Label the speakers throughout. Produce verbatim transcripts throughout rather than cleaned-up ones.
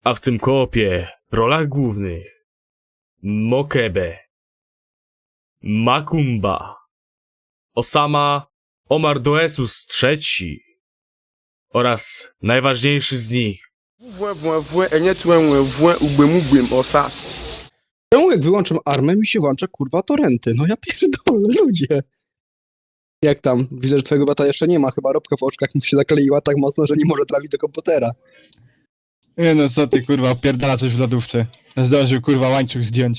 Speaker 1: A w tym koopie w rolach głównych Mokebe, Makumba, Osama Omar Doesus trzeci oraz najważniejszy z nich
Speaker 2: Czemu jak wyłączam armę, mi się włącza kurwa torenty? No ja pierdolę, ludzie. Jak tam? Widzę, że twojego bata jeszcze nie ma, chyba robka w oczkach mu się zakleiła tak mocno, że nie może trafić do komputera.
Speaker 3: Nie no co ty kurwa, opierdala coś w lodówce. Zdążył kurwa łańcuch zdjąć.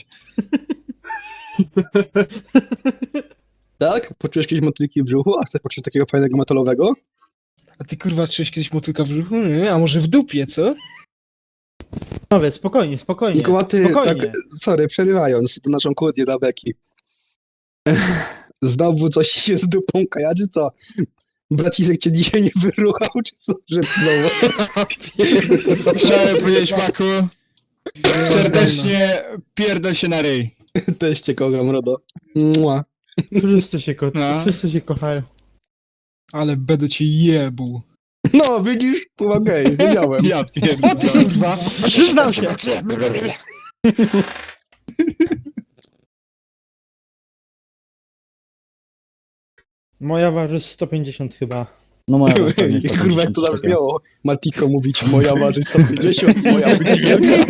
Speaker 2: Tak? Poczujesz kiedyś motylki w brzuchu? A chcesz poczuć takiego fajnego metalowego?
Speaker 3: A ty kurwa czułeś kiedyś motylka w brzuchu? Nie, a może w dupie, co?
Speaker 4: Panowie, spokojnie, spokojnie.
Speaker 2: Nikołaty,
Speaker 4: spokojnie.
Speaker 2: tak, sorry, przerywając to naszą kłótnię dla Beki. Znowu coś się z dupą kajaczy, co? Braciszek cię dzisiaj nie wyruchał, czy co? Że znowu?
Speaker 3: Chciałem powiedzieć Maku, serdecznie pierdol się na ryj.
Speaker 2: Też cię kocham, Rodo. Mua.
Speaker 4: Wszyscy się, ko-
Speaker 3: No.
Speaker 4: wszyscy się kochają.
Speaker 3: Ale będę cię jebuł.
Speaker 2: No, widzisz? Okej, wiedziałem.
Speaker 3: Ja pierdolę. O ty kurwa.
Speaker 4: Przyznam się! Moja waży sto pięćdziesiąt chyba.
Speaker 5: No moja was
Speaker 2: Ej, kurwa, jak to zabrzmiało. Matiko mówić, moja waży sto pięćdziesiąt, moja być wielka.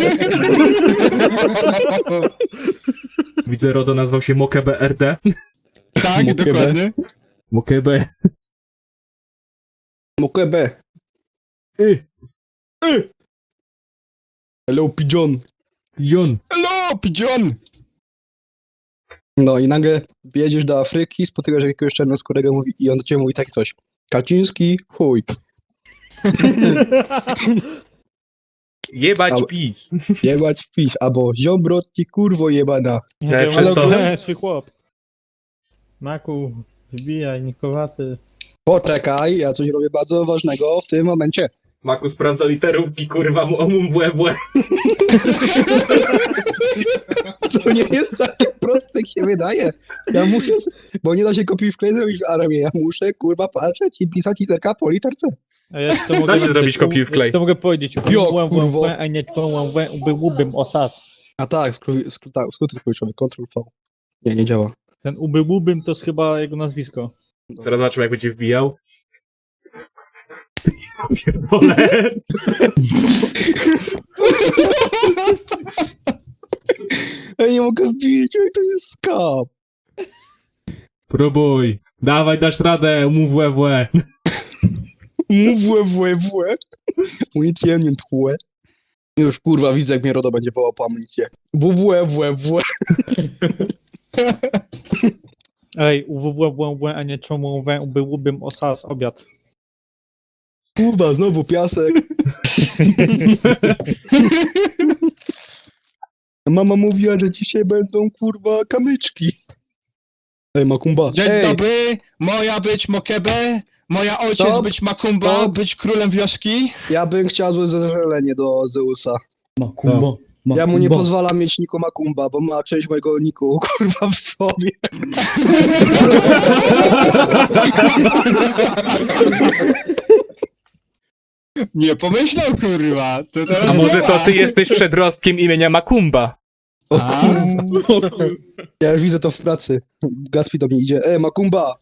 Speaker 1: Widzę, Rodo nazwał się Mokebe R D.
Speaker 3: Tak,
Speaker 2: Mokebe.
Speaker 3: dokładnie.
Speaker 1: Mokebe.
Speaker 2: Mokebe.
Speaker 1: Y,
Speaker 2: Hello, pigeon.
Speaker 1: Jon.
Speaker 3: Hello, pigeon!
Speaker 2: No i nagle jedziesz do Afryki, spotykasz jakiegoś czarnoskórego mówi, i on do ciebie mówi tak coś. Kaczyński, chuj.
Speaker 1: Jebać
Speaker 2: Ale-
Speaker 1: pis.
Speaker 2: Jebać pisz, albo ziobro ci kurwo jebana.
Speaker 1: Nie,
Speaker 4: Nie,
Speaker 1: przez to-
Speaker 4: nie, swój chłop. Maku, wbijaj, Nikowaty.
Speaker 2: Poczekaj, ja coś robię bardzo ważnego w tym momencie.
Speaker 1: Maku sprawdza literówki, kurwa, mu omum błe błe.
Speaker 2: To nie jest takie proste, jak się wydaje. Ja muszę, s- bo nie da się kopiuj wklej zrobić w armię. Ja muszę, kurwa, patrzeć i pisać literka po literce.
Speaker 4: A ja ci to mogę
Speaker 1: Da się
Speaker 4: napisać,
Speaker 1: zrobić kopiuj
Speaker 4: u-
Speaker 1: wklej.
Speaker 4: ja ci to mogę powiedzieć.
Speaker 2: Jo, kurwo.
Speaker 4: A nie ubyłbym osas.
Speaker 2: A tak, skróty, skróty, tak, skróty skrócione, Ctrl V. Nie, nie działa.
Speaker 4: Ten ubyłbym to jest chyba jego nazwisko.
Speaker 1: Zaraz zobaczymy, jak będzie wbijał. Pierdolę.
Speaker 2: Ja nie mogę wbić, oj, to jest skap.
Speaker 1: Próbuj. Dawaj, dasz radę, mów łe łe.
Speaker 2: Włe, włe, włe. Unicję, nie tłe. Już, kurwa, widzę, jak mnie Rodo będzie wołał po amunicję. Włe, włe, włe.
Speaker 4: Ej, uwww, a nie czemu ubyłbym osas obiad.
Speaker 2: Kurwa, znowu piasek. Mama mówiła, że dzisiaj będą, kurwa, kamyczki. Ej, Makumba.
Speaker 3: Dzień
Speaker 2: Ej,
Speaker 3: dobry, moja być Mokebe, moja ojciec
Speaker 2: Stop,
Speaker 3: być Makumba,
Speaker 2: stop.
Speaker 3: być królem wioski.
Speaker 2: ja bym chciał złe zażalenie do Zeusa.
Speaker 5: Makumba.
Speaker 2: Ja mu nie pozwalam mieć niku Makumba, bo ma część mojego niku, kurwa, w sobie.
Speaker 3: Nie pomyślał kurwa, to teraz
Speaker 1: A może
Speaker 3: nie
Speaker 1: to
Speaker 3: ma.
Speaker 1: ty jesteś przedrostkiem imienia Makumba?
Speaker 2: O
Speaker 3: A?
Speaker 2: kurwa. Ja już widzę to w pracy. Gaspi do mnie idzie. E, Makumba!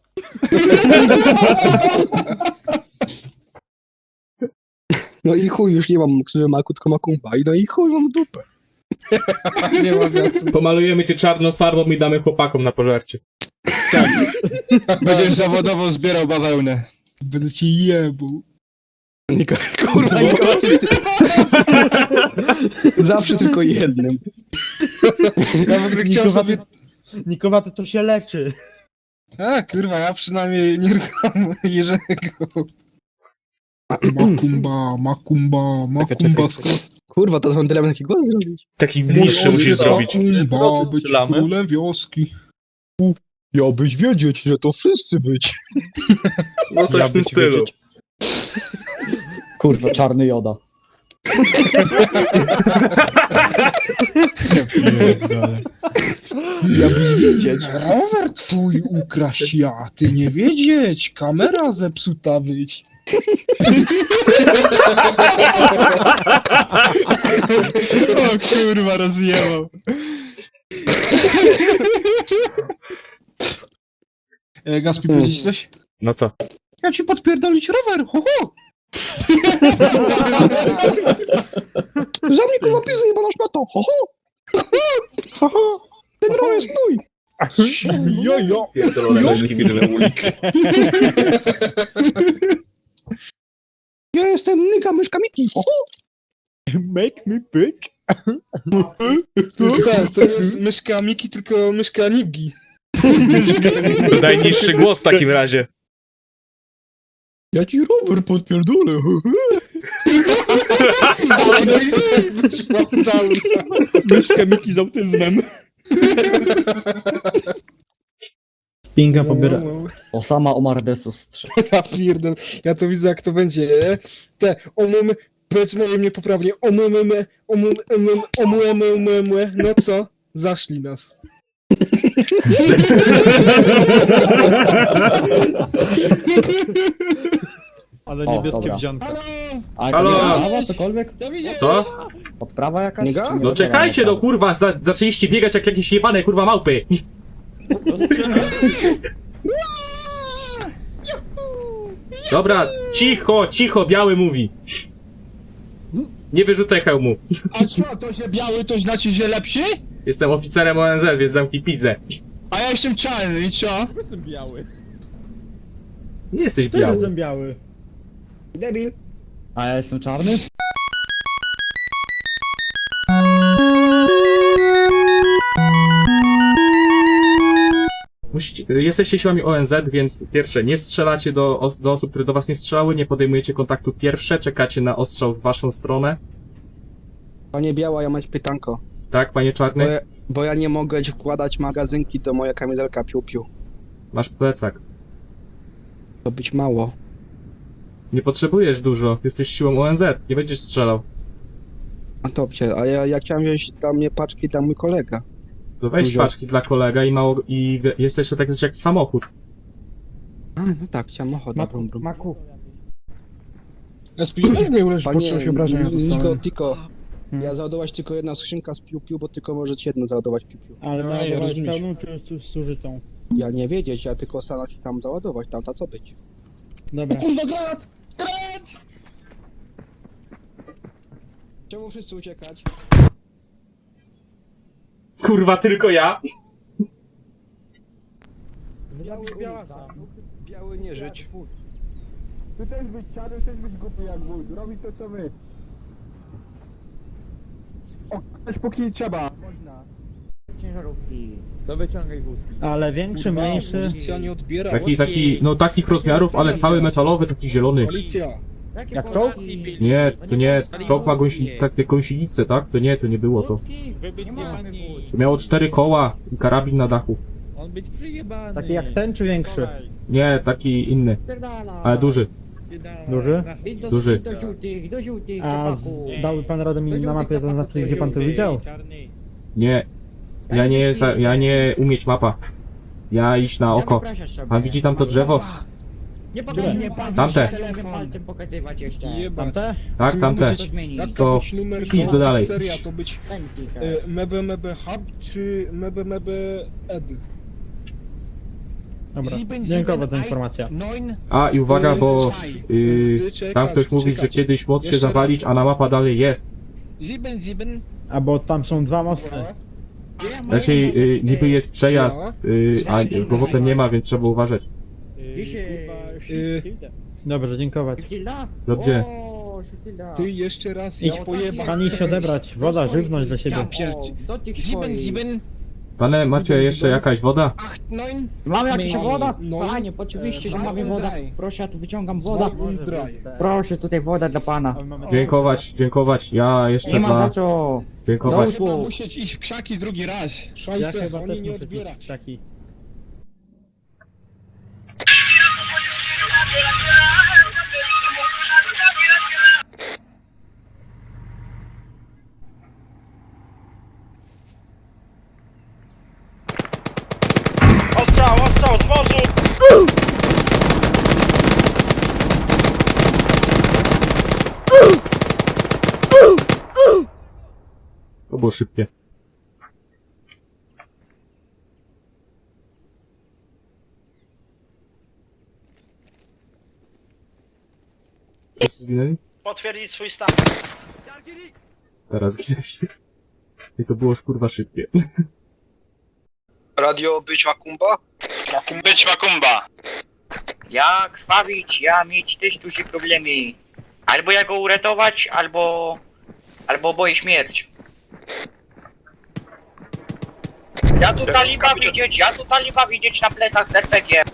Speaker 2: No i chuj, już nie mam krzyży Maku, tylko Makumba. I no i chuj, mam w dupę.
Speaker 3: Nie ma za co.
Speaker 1: Pomalujemy cię czarną farbą i damy chłopakom na pożarcie.
Speaker 3: Będziesz zawodowo zbierał bawełnę. Będę ci jebuł.
Speaker 2: Niko, kurwa, Nikola, ty... Zawsze tylko jednym.
Speaker 3: Ja w ogóle chciałem sobie...
Speaker 4: Nikowaty to się leczy.
Speaker 3: A kurwa, ja przynajmniej nie rucham Jerzego. Makumba, Makumba, Makumba.
Speaker 2: Kurwa, to z wandylem taki głos zrobić.
Speaker 1: Taki niższy musisz zrobić.
Speaker 3: Makumba, być królem wioski.
Speaker 2: Ja byś wiedzieć, że to wszyscy być.
Speaker 1: No coś
Speaker 3: Ja
Speaker 1: w tym
Speaker 3: być
Speaker 1: stylu.
Speaker 3: wiedzieć.
Speaker 5: Kurwa, czarny joda.
Speaker 3: Ja pierdolę.
Speaker 2: Ja byś wiedzieć.
Speaker 3: Rower twój ukraść ja, ty nie wiedzieć, kamera zepsuta być. O kurwa, rozjebał. E, Gaspi, powiedzieć coś?
Speaker 1: No co?
Speaker 3: Ja ci podpierdolić rower, ho ho!
Speaker 2: Za mnie kurwa pisy jebana szmato, ho ho! Ho ho! Ten rower jest mój!
Speaker 4: Jo, jo.
Speaker 1: Pierdolone firmy ulik.
Speaker 2: Ja jestem Nyka Myszka Miki, ho ho!
Speaker 4: Make me bitch.
Speaker 3: To jest, tak, to jest myszka Miki, tylko myszka Nibgi.
Speaker 1: To najniższy głos w takim razie.
Speaker 2: Ja ci rower podpierdolę, ho ho!
Speaker 3: No i być down.
Speaker 4: Myszka Miki z autyzmem. Pinga pobiera.
Speaker 5: Osama Omar Desus trzy.
Speaker 3: Ja pierdolę, ja to widzę jak to będzie. Te omum, powiedzmy mnie poprawnie, omumemy, omum, omum, omumemy, no co? Zaszli nas.
Speaker 4: Ale
Speaker 5: O,
Speaker 4: niebieskie
Speaker 5: dobra.
Speaker 4: wziątka.
Speaker 5: A
Speaker 1: Halo?
Speaker 5: jakaś podprawa, cokolwiek?
Speaker 1: Co?
Speaker 5: Podprawa jakaś?
Speaker 2: Nie ga?
Speaker 5: Czy nie
Speaker 1: No
Speaker 5: wiadomo
Speaker 1: czekajcie,
Speaker 5: jaka?
Speaker 1: no kurwa, za, zaczęliście biegać jak jakieś jebane kurwa małpy. Dobra, cicho, cicho, biały mówi. Nie wyrzucaj hełmu.
Speaker 3: A co, to że biały to znaczy, że lepszy?
Speaker 1: Jestem oficerem O N Z, więc zamknij pizdę.
Speaker 3: A ja jestem czarny i co?
Speaker 4: Jestem biały.
Speaker 1: Nie jesteś
Speaker 4: Też
Speaker 1: biały.
Speaker 4: jestem biały.
Speaker 2: Debil!
Speaker 5: A ja jestem czarny?
Speaker 1: Musicie, jesteście siłami O N Z, więc pierwsze, nie strzelacie do, os do osób, które do was nie strzelały, nie podejmujecie kontaktu pierwsze, czekacie na ostrzał w waszą stronę.
Speaker 2: Panie Biała, ja mam pytanko.
Speaker 1: Tak, panie
Speaker 2: Bo
Speaker 1: czarny?
Speaker 2: ja, bo ja nie mogę wkładać magazynki do moja kamizelka piu-piu.
Speaker 1: Masz plecak.
Speaker 2: To być mało.
Speaker 1: Nie potrzebujesz dużo, jesteś siłą O N Z, nie będziesz strzelał.
Speaker 2: A dobrze, a ja, ja chciałem wziąć dla mnie paczki dla mój kolega.
Speaker 1: To weź
Speaker 2: Dużo.
Speaker 1: paczki dla kolega i mało, i wie- jest jeszcze tak jak samochód.
Speaker 2: A, no tak, chciałem ochotę, brum, brum.
Speaker 4: Maku.
Speaker 3: Ja spóźniłeś mnie, już
Speaker 2: Panie
Speaker 3: poczułem się obrażenia
Speaker 2: Niko,
Speaker 3: dostałem.
Speaker 2: Tiko,
Speaker 4: Hmm.
Speaker 2: ja załadować tylko jedna skrzynka z piu-piu, bo tylko możecie jedno załadować piu-piu.
Speaker 4: Ale
Speaker 3: No,
Speaker 4: no,
Speaker 3: ja
Speaker 4: dawałeś
Speaker 3: rozumiem.
Speaker 4: pełną czy tu zużytą?
Speaker 2: Ja nie wiedzieć, ja tylko stanąć i tam załadować, tamta co być.
Speaker 4: Dobra.
Speaker 3: Kurwa, granat! Granat!
Speaker 2: Czemu wszyscy uciekać?
Speaker 1: Kurwa, tylko ja?
Speaker 2: Biały, biały nie żyć.
Speaker 3: Ty też być czarny, też być głupi jak wójt. Robić to co my. O, ktoś póki trzeba.
Speaker 4: Ale większy, mniejszy.
Speaker 3: Policja nie odbiera.
Speaker 1: Taki, taki, no takich rozmiarów, ale cały metalowy, taki zielony.
Speaker 3: Policja.
Speaker 4: Jak czołg?
Speaker 1: Nie, to nie, czołg ma gąsi, takie gąsienicę, tak? To nie, to nie było to. To miało cztery koła i karabin na dachu.
Speaker 6: On być przyjebany.
Speaker 4: Taki jak ten czy większy?
Speaker 1: Nie, taki inny, ale duży.
Speaker 4: Duży?
Speaker 1: Duży.
Speaker 6: Do żółtych, do żółtych,
Speaker 4: A z, dałby pan radę mi na mapie zaznaczyć, gdzie pan to widział?
Speaker 1: Nie, ja nie, za, ja nie umieć mapa. Ja iść na oko. Pan widzi tam to drzewo?
Speaker 6: Nie pokazuj mnie pan,
Speaker 1: Tamte.
Speaker 6: nie palcem pokazywać jeszcze.
Speaker 3: Jebać.
Speaker 4: Tamte?
Speaker 1: Tak,
Speaker 3: Czy
Speaker 1: tamte.
Speaker 3: mówisz-
Speaker 6: To zmieni.
Speaker 3: Jak
Speaker 1: To
Speaker 3: to być numer
Speaker 1: wpis do dalej.
Speaker 3: Seria to być y, Mebe Mebe Hub czy Mebe Mebe Ed?
Speaker 4: Dobra, dziękuję za informację.
Speaker 1: A i uwaga, bo yy,
Speaker 3: Ty czekać,
Speaker 1: tam ktoś mówi, że
Speaker 3: czekać.
Speaker 1: kiedyś most się
Speaker 3: Jeszcze
Speaker 1: zawalić,
Speaker 3: raz.
Speaker 1: a na mapa dalej jest.
Speaker 6: Ziben, ziben.
Speaker 4: A bo tam są dwa mosty.
Speaker 1: Znaczy, yy, niby jest przejazd, yy, a go potem nie ma, więc trzeba uważać.
Speaker 3: Y,
Speaker 4: Dobrze, dziękować.
Speaker 6: Sztylda?
Speaker 1: Dobrze.
Speaker 6: O, sztylda.
Speaker 3: Ty jeszcze raz
Speaker 4: Idź
Speaker 3: idź pojebać.
Speaker 4: Pan idź się odebrać. Woda, żywność dla siebie.
Speaker 3: Ja pierdzie.
Speaker 6: Do tych
Speaker 3: Ziben,
Speaker 6: swoich.
Speaker 3: ziben.
Speaker 1: Pane, macie jeszcze jakaś woda?
Speaker 3: Ach, neun.
Speaker 6: Mamy jakąś
Speaker 3: Mamy.
Speaker 6: woda?
Speaker 3: No.
Speaker 6: Panie, oczywiście, że
Speaker 3: E,
Speaker 6: mamy wodę.
Speaker 3: daj.
Speaker 6: Proszę, ja tu wyciągam wodę.
Speaker 3: Dry.
Speaker 6: Proszę, tutaj woda dla pana.
Speaker 1: Dziękować, dziękować. Ja jeszcze
Speaker 6: Nie ma za
Speaker 1: dla...
Speaker 6: co.
Speaker 1: Dziękować.
Speaker 6: Usług.
Speaker 3: Chyba musieć iść w krzaki drugi raz.
Speaker 4: Ja
Speaker 3: Szajse,
Speaker 4: chyba
Speaker 3: oni
Speaker 4: też
Speaker 3: nie
Speaker 4: muszę
Speaker 3: odbierają.
Speaker 4: pić krzaki.
Speaker 7: Ostrzał, ostrzał, z morzu!
Speaker 1: było szybkie. Wszyscy zginęli?
Speaker 7: Potwierdzić swój stan.
Speaker 1: Teraz zginęli. I to było już kurwa szybkie.
Speaker 2: Radio być Makumba?
Speaker 7: Być Makumba.
Speaker 8: Ja krwawić, ja mieć też duże problemy. Albo ja go uratować, albo... Albo boję śmierć. Ja tu taliba widzieć, ja tu taliba widzieć na plecach z er pe gie.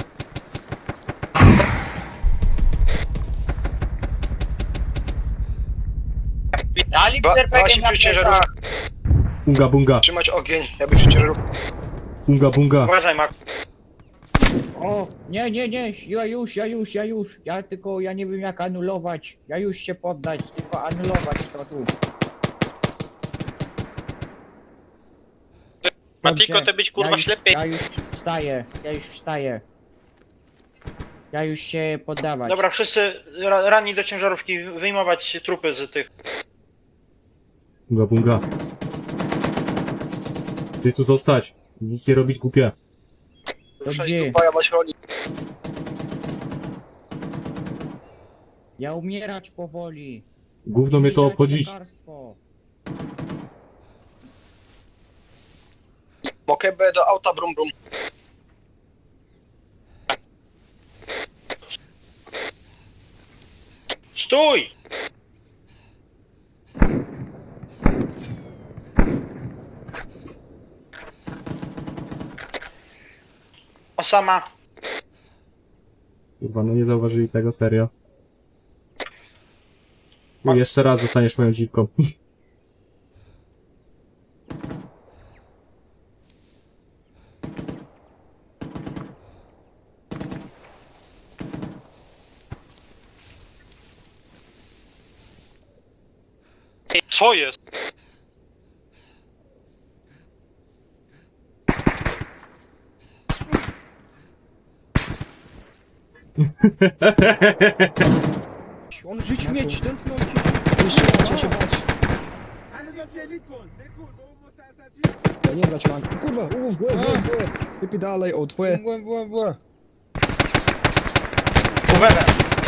Speaker 8: Talib z er pe gie na plecach.
Speaker 1: Bunga bunga,
Speaker 2: Trzymać ogień, ja bym się ciężarówkę.
Speaker 1: bunga bunga.
Speaker 7: Uważaj, Mak.
Speaker 6: O, nie, nie, nie, ja już, ja już, ja już. Ja tylko, ja nie wiem jak anulować. Ja już się poddać, tylko anulować to tu.
Speaker 7: Matiko,
Speaker 6: Dobrze,
Speaker 7: ty być kurwa
Speaker 6: ja już,
Speaker 7: ślepy.
Speaker 6: Ja już wstaję, ja już wstaję. Ja już się poddawać.
Speaker 7: Dobra, wszyscy ra ranni do ciężarówki, wyjmować trupy z tych.
Speaker 1: Bunga bunga. Ty tu zostać. Nic nie robić głupie.
Speaker 6: Dobrze,
Speaker 2: Ja was chroni.
Speaker 6: ja umierać powoli.
Speaker 1: Gówno mnie to
Speaker 6: Umierać
Speaker 1: obchodzić.
Speaker 6: lekarstwo.
Speaker 2: Mokebe do auta, brum brum.
Speaker 7: Stój! Osama.
Speaker 1: Kurwa, no nie zauważyli tego, serio. No jeszcze raz zostaniesz moją dziwką.
Speaker 7: Co jest?
Speaker 3: On żyć mieć, ten no
Speaker 2: Trzeba się bać. Ja nie brać manki. Kurwa, u, w łe, w łe, w łe. Wypij dalej, od łe.
Speaker 3: Błe, błe, błe.
Speaker 7: Uwagę.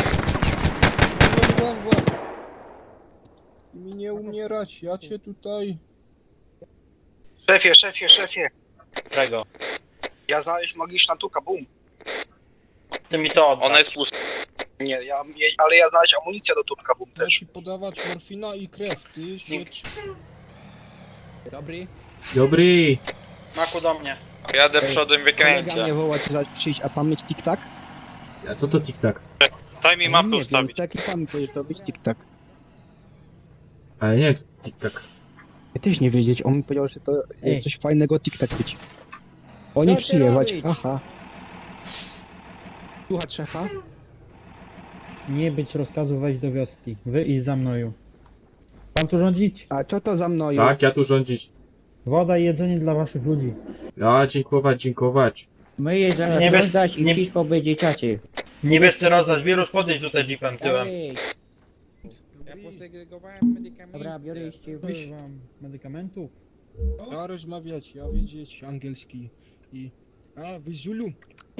Speaker 3: Błe, błe, błe. Mi nie umierać, ja cię tutaj...
Speaker 2: Szefie, szefie, szefie.
Speaker 7: Czego?
Speaker 2: Ja znaleźć magiczna tuka, bum.
Speaker 7: Ty mi to oddaj.
Speaker 8: Ona jest pusta.
Speaker 2: Nie, ja, ale ja znaleźć amunicję do tuka, bum
Speaker 3: Ja
Speaker 2: też.
Speaker 3: ci podawać morfina i krew, ty siedź.
Speaker 2: Dobry.
Speaker 1: Dobry!
Speaker 7: Maku do mnie.
Speaker 8: Jadę
Speaker 2: Ej,
Speaker 8: przodem
Speaker 2: Kolega mnie
Speaker 8: wykręcę.
Speaker 2: woła ci zaś przyjść, a pan mieć tik-tak?
Speaker 1: A co to tik-tak?
Speaker 8: Daj mi
Speaker 2: Nie
Speaker 8: mapę
Speaker 2: wiem,
Speaker 8: ustawić.
Speaker 2: tak i pan powiedział, to być tik-tak.
Speaker 1: Ale nie jest tik-tak.
Speaker 2: Ja też nie wiedzieć, on mi powiedział, że to
Speaker 6: Ej.
Speaker 2: coś fajnego tik-tak być. O nie
Speaker 6: Co ty
Speaker 2: przyjechać,
Speaker 6: robić?
Speaker 2: aha. Słuchać szefa?
Speaker 4: Nie być rozkazu wejść do wioski. Wy iść za mną. Pan tu rządzić?
Speaker 2: A co to za mną?
Speaker 1: Tak, ja tu rządzić.
Speaker 4: Woda i jedzenie dla waszych ludzi.
Speaker 1: Ja, dziękować, dziękować.
Speaker 6: My je zaraz
Speaker 7: Nie bez-
Speaker 6: rozdać i
Speaker 7: nie-
Speaker 6: wszystko będzie czacie.
Speaker 7: Niebiescy rozdać wirus, podejść tutaj jeepem tyłem.
Speaker 6: Dalej.
Speaker 9: Ja posegregowałem medykamenty.
Speaker 6: Dobra, biorę jeszcze
Speaker 4: Użyję wam medykamentów.
Speaker 3: Ja rozmawiać, ja wiedzieć angielski i... A, wy Zulu.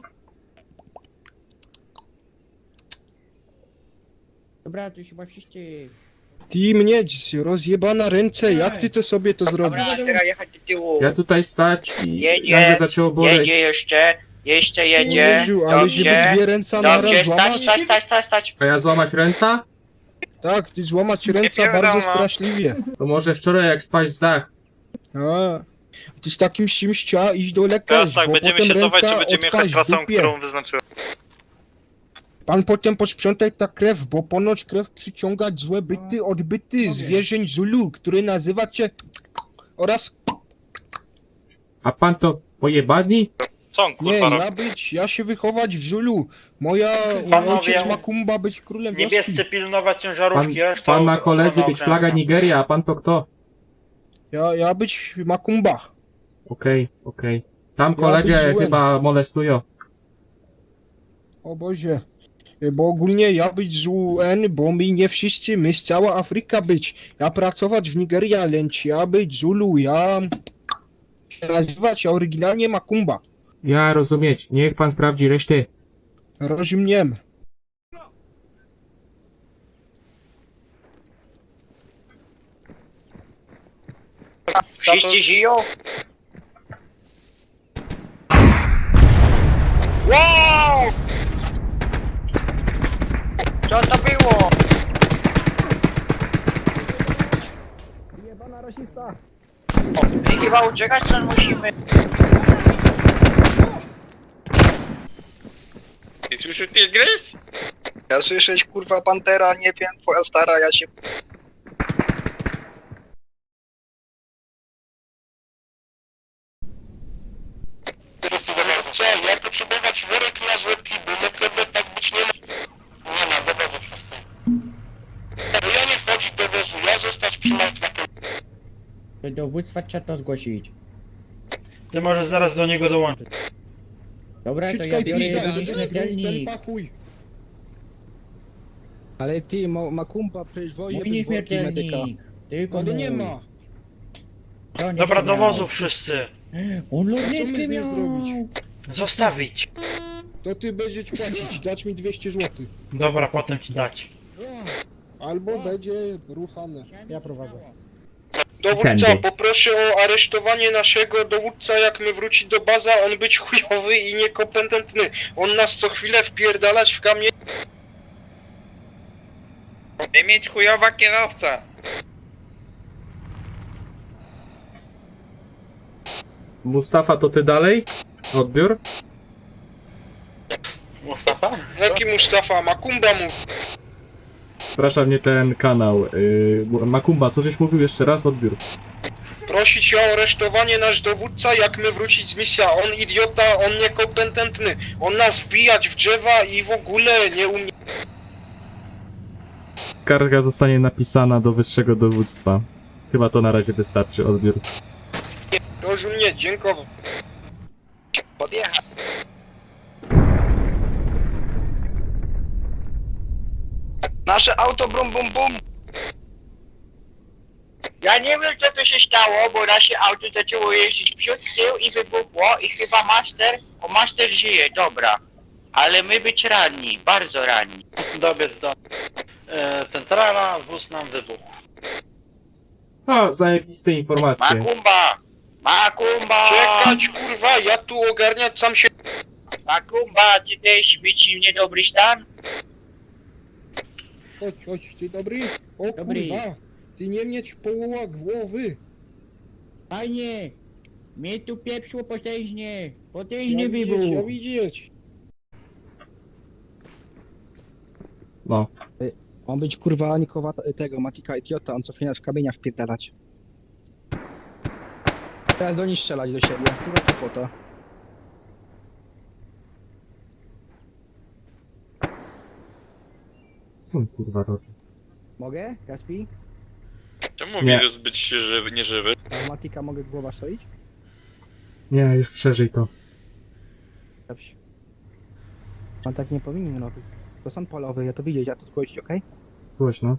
Speaker 6: Dobra, to już chyba wszyscy...
Speaker 3: Ty mnie, rozjebana ręce, jak ty to sobie to zrobisz?
Speaker 8: Dobra, teraz jechać do tyłu.
Speaker 1: Ja tutaj stać i
Speaker 8: Jedzie,
Speaker 1: nagle zaczęło boleć.
Speaker 8: Jedzie jeszcze, jeszcze jedzie.
Speaker 3: Jezu, ale żeby
Speaker 8: Dobrze,
Speaker 3: dwie ręce na
Speaker 8: dobrze,
Speaker 3: raz
Speaker 8: stać,
Speaker 3: złamać?
Speaker 8: stać, stać, stać, stać.
Speaker 1: A ja złamać ręca?
Speaker 3: Tak, ty złamać ręce
Speaker 8: wiadomo.
Speaker 3: bardzo straszliwie.
Speaker 1: To może wczoraj jak spaść z dach.
Speaker 3: A, ty z takim czymś trzeba iść do lekarza,
Speaker 7: Teraz tak,
Speaker 3: bo
Speaker 7: będziemy
Speaker 3: potem
Speaker 7: się cofać,
Speaker 3: ręka
Speaker 7: czy będziemy jechać
Speaker 3: odpaść w
Speaker 7: trasą,
Speaker 3: dupie.
Speaker 7: którą wyznaczyłem.
Speaker 3: Pan potem posprzątaj ta krew, bo ponoć krew przyciągać złe byty, odbyty, zwierzeń Zulu, który nazywa cię... Oraz...
Speaker 1: A pan to pojebani?
Speaker 7: Co on
Speaker 3: Nie,
Speaker 7: kurwa robi?
Speaker 3: ja być, ja się wychować w Zulu. Moja
Speaker 7: Panowie,
Speaker 3: ojciec Makumba być królem wioski.
Speaker 7: Niebiescy pilnować
Speaker 1: Pan,
Speaker 7: ciężarówki, reszta
Speaker 1: pan ma koledzy
Speaker 7: ochrona
Speaker 1: być flaga
Speaker 7: okrężna.
Speaker 1: Nigeria, a pan to kto?
Speaker 3: Ja, ja być Makumba.
Speaker 1: Okej, okej. Tam
Speaker 3: Ja
Speaker 1: kolegę
Speaker 3: być złym.
Speaker 1: chyba molestują.
Speaker 3: O Boże. Bo ogólnie ja być z U N, bo my nie wszyscy, my z cała Afryka być. Ja pracować w Nigeria, lecz ja być Zulu, ja się nazywać ja oryginalnie Makumba.
Speaker 1: Ja rozumieć, niech pan sprawdzi resztę.
Speaker 3: Rozumiem.
Speaker 8: Wszyscy żyją? Wow! Co to było?
Speaker 2: Jebana rasista!
Speaker 8: My chyba uciekać stąd musimy.
Speaker 9: Ty słyszysz tygrys?
Speaker 2: Ja słyszeć kurwa pantera, nie wiem, twoja stara, ja się...
Speaker 8: Co, ja potrzebować worek na złotki, bo naprawdę tak być nie może. Nie ma dowodu wszyscy. Bo ja nie wchodzić do wozu, ja zostać przy martwym.
Speaker 6: Do dowództwa trzeba to zgłosić.
Speaker 7: Ty możesz zaraz do niego dołączyć.
Speaker 6: Dobra, to ja
Speaker 3: Siczkaj,
Speaker 6: biorę
Speaker 3: pizda,
Speaker 6: jeden
Speaker 3: ten- ten
Speaker 6: śmiertelnik.
Speaker 3: pachuj.
Speaker 2: Ale ty, ma, Makumba, przecież wozie
Speaker 6: Mój
Speaker 2: być worki medyka.
Speaker 6: nieśmiertelnik. Tylko
Speaker 3: Ale nie
Speaker 6: mój.
Speaker 3: ma.
Speaker 6: To nie
Speaker 7: Dobra, do
Speaker 6: śmiał.
Speaker 7: wozu wszyscy.
Speaker 6: On
Speaker 3: Co my
Speaker 6: lornetkę
Speaker 3: z nim
Speaker 6: miał.
Speaker 3: zrobić?
Speaker 7: Zostawić.
Speaker 3: To ty będziesz płacić, dać mi dwieście złotych.
Speaker 7: Dobra, potem ci dać.
Speaker 3: Albo będzie ruchane.
Speaker 6: Ja prowadzę.
Speaker 1: Dowódca, Tędy.
Speaker 2: poproszę o aresztowanie naszego dowódca, jak my wróci do baza, on być chujowy i niekompetentny. On nas co chwilę wpierdalać w kamień.
Speaker 9: Nie mieć chujowa kierowca.
Speaker 1: Mustafa, to ty dalej? Odbiór?
Speaker 7: Mustafa?
Speaker 2: Jaki Mustafa? Makumba mu.
Speaker 1: Przepraszam, nie ten kanał. Yy, Makumba, co żeś mówił jeszcze raz? Odbiór.
Speaker 2: Prosić o aresztowanie nasz dowódca, jak my wrócić z misji. On idiota, on niekompetentny. On nas wbijać w drzewa i w ogóle nie umie.
Speaker 1: Skarga zostanie napisana do wyższego dowództwa. Chyba to na razie wystarczy. Odbiór.
Speaker 2: Rozumie, dziękuję. Podjechać. Nasze auto brum bum bum.
Speaker 8: Ja nie wiem co tu się stało, bo nasze auto zaczęło jeździć przód, tył i wybuchło i chyba master, o master żyje, dobra. Ale my być ranni, bardzo ranni.
Speaker 7: Dobiec do... E, centrala, wóz nam wybuchł.
Speaker 1: O, zajebiste informacje.
Speaker 8: Makumba! Makumba!
Speaker 2: Czekać kurwa, ja tu ogarniać sam się.
Speaker 8: Makumba, ty też być w niedobry stan?
Speaker 3: Chodź, chodź, ty dobry? O
Speaker 6: Dobry.
Speaker 3: kurwa, ty nie mieć połowa głowy.
Speaker 6: Panie! Mnie tu pieprzło potężnie!
Speaker 3: Ja
Speaker 6: Potężny
Speaker 3: widzieć, ja
Speaker 6: wybuch!
Speaker 3: widzieć.
Speaker 1: No.
Speaker 2: On być kurwa Nikowa tego, Matika idiota, on co chwilę w kamienia wpierdalać. Teraz do nich strzelać do siebie, kurwa kłopota.
Speaker 1: Co on kurwa robi?
Speaker 2: Mogę, Gaspi?
Speaker 9: Czemu
Speaker 1: Nie.
Speaker 9: wirus być żywy, nieżywy?
Speaker 2: A Matika mogę głowa strzelić?
Speaker 1: Nie, już przeżyj to.
Speaker 2: Dobrze. On tak nie powinien robić. To są polowy, ja to widzieć, ja to zgłosić, okej?
Speaker 1: Głośno.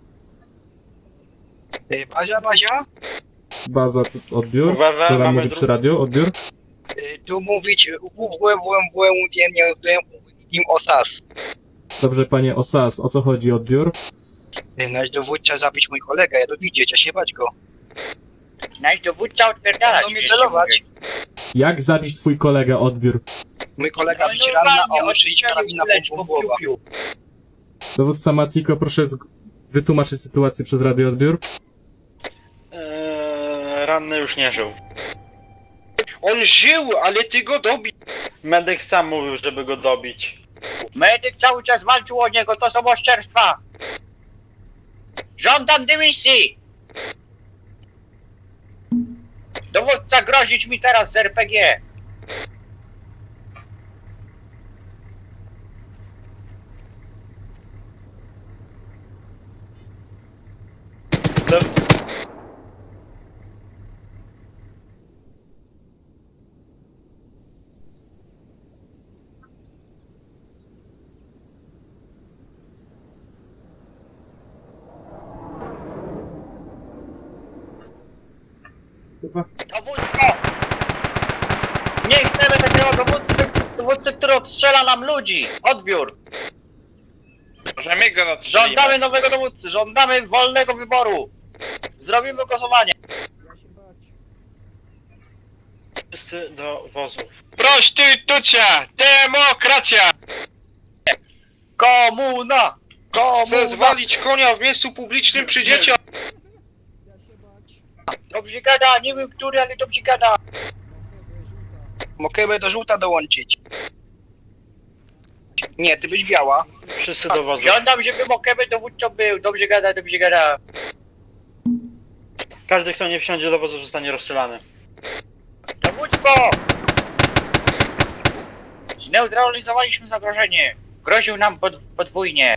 Speaker 2: Okay? Bazia, Bazia?
Speaker 1: Baza, tu- odbiór.
Speaker 7: Uwaga,
Speaker 1: Która
Speaker 7: mamy
Speaker 1: mówi przy
Speaker 7: dru-
Speaker 1: radio? Odbiór.
Speaker 2: Y, Tu mówić www im osas.
Speaker 1: Dobrze, panie Osas, o co chodzi? Odbiór?
Speaker 2: Nasz dowódca zabić mój kolegę, ja to widzieć, ja się bać go.
Speaker 8: Nasz dowódca odpierdalać.
Speaker 2: Będą mnie celować.
Speaker 1: Jak zabić twój kolegę? Odbiór.
Speaker 2: Mój kolega
Speaker 8: No
Speaker 2: bić ranna,
Speaker 8: normalnie,
Speaker 2: a on strzelić
Speaker 8: odstrzelił
Speaker 2: karabina
Speaker 8: kuleczką,
Speaker 2: po głowa.
Speaker 8: piu, piu.
Speaker 1: Dowódca Matiko, proszę z... wytłumaczyć sytuację przez radio odbiór.
Speaker 7: E, ranny już nie żył.
Speaker 2: On żył, ale ty go dobił.
Speaker 7: Medyk sam mówił, żeby go dobić.
Speaker 8: Medyk cały czas walczył o niego, to są oszczerstwa. Żądam dymisji. Dowódca grozić mi teraz z R P G.
Speaker 7: Do...
Speaker 1: Kurwa.
Speaker 8: Dowództwo! Nie chcemy takiego dowódcy, dowódcy, który odstrzela nam ludzi! Odbiór!
Speaker 9: Możemy go odstrzelimy.
Speaker 8: Żądamy nowego dowódcy, żądamy wolnego wyboru! Zrobimy głosowanie!
Speaker 7: Wszyscy do wozów.
Speaker 6: Prostytucja! Demokracja!
Speaker 8: Komuna! Komuna!
Speaker 6: Zezwolić konia w miejscu publicznym przy dzieciach!
Speaker 8: Dobrze gada, nie wiem który, ale dobrze gada.
Speaker 2: Mogę do żółta dołączyć. Nie, ty być biała.
Speaker 7: Wszyscy do wozów.
Speaker 8: Żądam, żeby Mokebe dowódcą był. Dobrze gada, dobrze gada.
Speaker 7: Każdy, kto nie wsiądzie do wozu, zostanie rozstrzelany.
Speaker 8: Dowództwo! Zneutralizowaliśmy zagrożenie. Groził nam pod, podwójnie.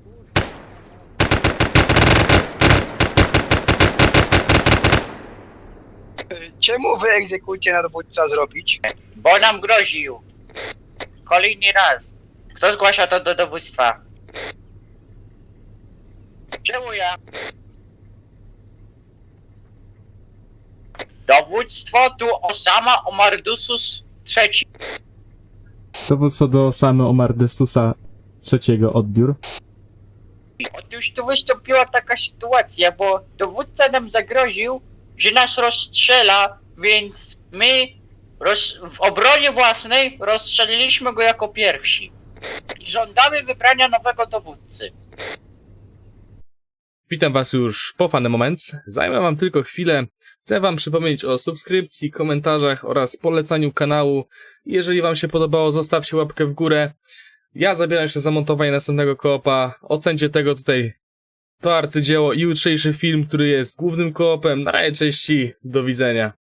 Speaker 2: Czemu wy egzekucję na dowódca zrobić?
Speaker 8: Bo nam groził. Kolejny raz. Kto zgłasza to do dowództwa? Czemu ja? Dowództwo tu Osama Omardusus trzeci.
Speaker 1: Dowództwo do Osamy Omardesusa trzeciego odbiór.
Speaker 8: Otóż tu wystąpiła taka sytuacja, bo dowódca nam zagroził, że nas rozstrzela, więc my roz, w obronie własnej rozstrzeliliśmy go jako pierwsi. I żądamy wybrania nowego dowódcy.
Speaker 10: Witam Was już po Funny Moments. Zajmę Wam tylko chwilę. Chcę Wam przypomnieć o subskrypcji, komentarzach oraz polecaniu kanału. Jeżeli Wam się podobało, zostawcie łapkę w górę. Ja zabieram się za montowanie następnego koopa. Ocencie tego tutaj to arcydzieło i jutrzejszy film, który jest głównym koopem. Na razie, cześć i do widzenia.